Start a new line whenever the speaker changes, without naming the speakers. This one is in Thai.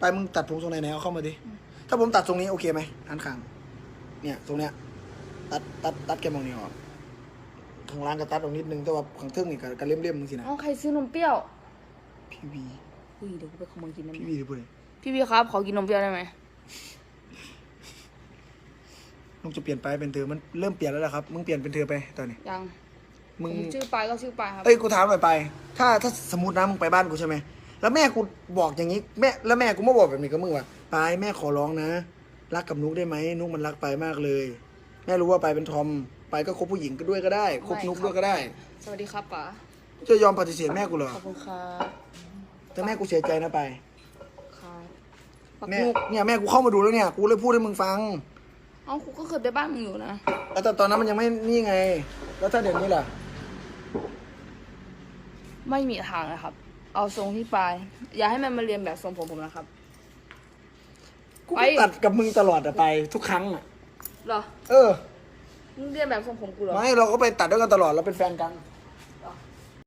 ไปมึงตัดผมทรงไหนเอาเข้ามาดิถ้าผมตัดทรงนี้โอเคไหมอันข้างเนี่ยตรงเนี้ยตัดแกมองนี่ออกข้างล่างก็ตัดออกนิดนึงแต่ว่าข้างเทิงนี่ก็เลี่ยมๆมึงสินะ
เอาใครซื้อนมเปรี้ยว
พี่วี
อุ้ยเดี๋ยวกูไปขโมยกินน้ำ
พี่วีหรือเปล่า
พี่วีครับขอกินนมเปรี้ยวได้ไหม
ลุงจะเปลี่ยนไปเป็นเธอมันเริ่มเปลี่ยนแล้วครับมึงเปลี่ยนเป็นเธอไปตอนนี้
ยัง
มึง
ชื่อปลายก็ชื่อปลายครับ
เอ้ยกูถามหน่อยไปถ้าสมมตินะมึงไปบ้านกูใช่ไหมแล้วแม่กูบอกอย่างนี้แม่กูมาบอกแบบนี้กับมึงว่าไปแม่ขอร้องนะรักกับนุกได้ไหมนุกมันรักไปมากเลย แม่รู้ว่าไปเป็นทอมไปก็คบผู้หญิงก็ด้วยก็ได้คบนุกด้วยก็ได้
สวัสดีครับป๋า
จะยอมปฏิเสธแม่กูเหรอ
ขอบคุณครับ
แต่แม่กูเสียใจนะไป
ครับปัก
แม่
นุก
เนี่ยแม่กูเข้ามาดูแล้วเนี่ยกูเลยพูดให้มึงฟัง
เอ้ากูก็เคยไปบ้านมึงอยู่นะ
แล้วแต่ตอนนั้นมันยังไม่นี่ไง แล้วถ้าเดี๋ยวนี้ล่ะ
ไม่มีทางนะครับ เอาทรงที่ปลายอย่าให้มันมาเรียนแบบทรงผมนะครับ
กู
ไป
ก็ตัดกับมึงตลอดอะไปทุกครั้งอะ
เหรอ
เออ
มึงเรียนแบบทรงผมกูเหรอ
ไม่เราก็ไปตัดด้วยกันตลอดเราเป็นแฟนกัน